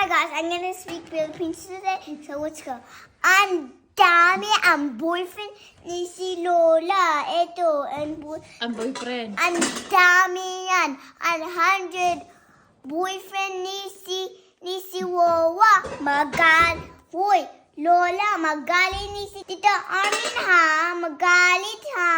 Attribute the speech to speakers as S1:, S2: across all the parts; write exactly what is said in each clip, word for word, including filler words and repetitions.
S1: my gosh, I'm gonna speak Philippines today, so let's go. Ang dami ang boyfriend ni si Lola. Ito, ang boy...
S2: Ang boyfriend.
S1: Ang dami yan. Ang hundred boyfriend ni si ni si Wawa. Magal... Hoy, Lola, magalit ni si Tita Armin ha. Magalit ha.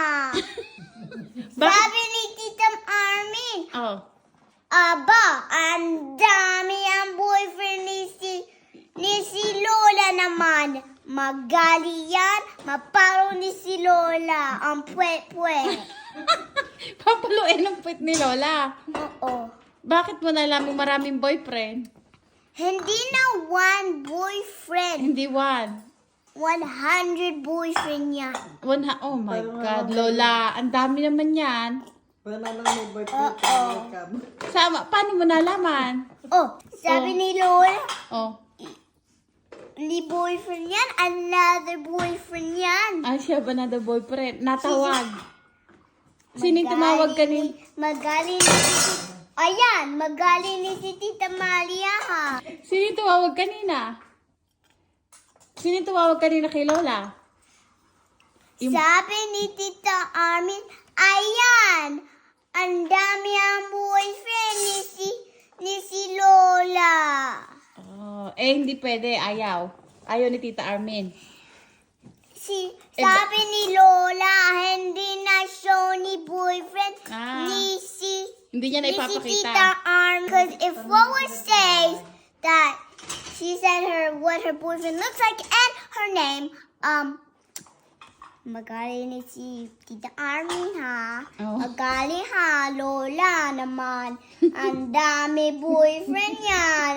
S1: Sabi ni Tita Armin.
S2: Oh.
S1: Aba, ang dami ang boyfriend ni si, ni si Lola naman. Magali yan, maparo ni si Lola. Ang pwet-pwet.
S2: Papaluin ang puwet ni Lola.
S1: Oo.
S2: Bakit mo nalaman maraming boyfriend?
S1: Hindi na one boyfriend.
S2: Hindi one.
S1: one hundred boyfriend niya.
S2: One ha- oh my God, Lola. Ang dami naman yan.
S3: Wala nang may boyfriend ka, welcome.
S2: Sama, paano mo nalaman?
S1: Oh, sabi
S2: Oh.
S1: ni Lola,
S2: Oh.
S1: ni boyfriend yan, another boyfriend yan.
S2: Ah, siya ba na the boyfriend? Natawag. Sino yung tumawag kanin?
S1: Magali ni si... Ayan, magali ni si Tita Maria ha.
S2: Sino yung tumawag kanina? Sino yung tumawag kanina kay Lola? Yung-
S1: Sabi ni Tita Armin, ayan, ang dami ang boyfriend ni si, ni si Lola.
S2: Oh, eh, hindi pwede. Ayaw. Ayaw ni Tita Armin.
S1: Si,
S2: Eh,
S1: sabi ni Lola, hindi na show ni boyfriend
S2: Ah.
S1: ni si,
S2: Hindi niya na
S1: ni si
S2: ipapakita.
S1: Tita Armin. Because if Lola says that she said her what her boyfriend looks like and her name, um, magali ni si Tita Armin ha.
S2: Oh.
S1: Magali ha, Lola naman. Ang dami boyfriend yan.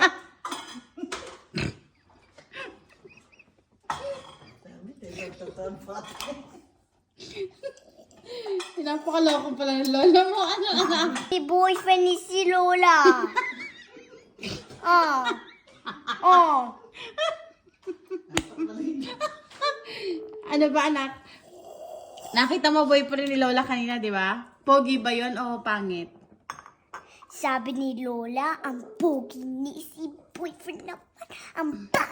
S2: Napakaloko pala ng Lola mo. Ano, anak?
S1: Si boyfriend ni si Lola. Oh. Oh.
S2: Ano ba, anak? Nakita mo boyfriend ni Lola kanina, di ba? Pogi ba yon o pangit?
S1: Sabi ni Lola, ang pogi ni si boyfriend naman. Ang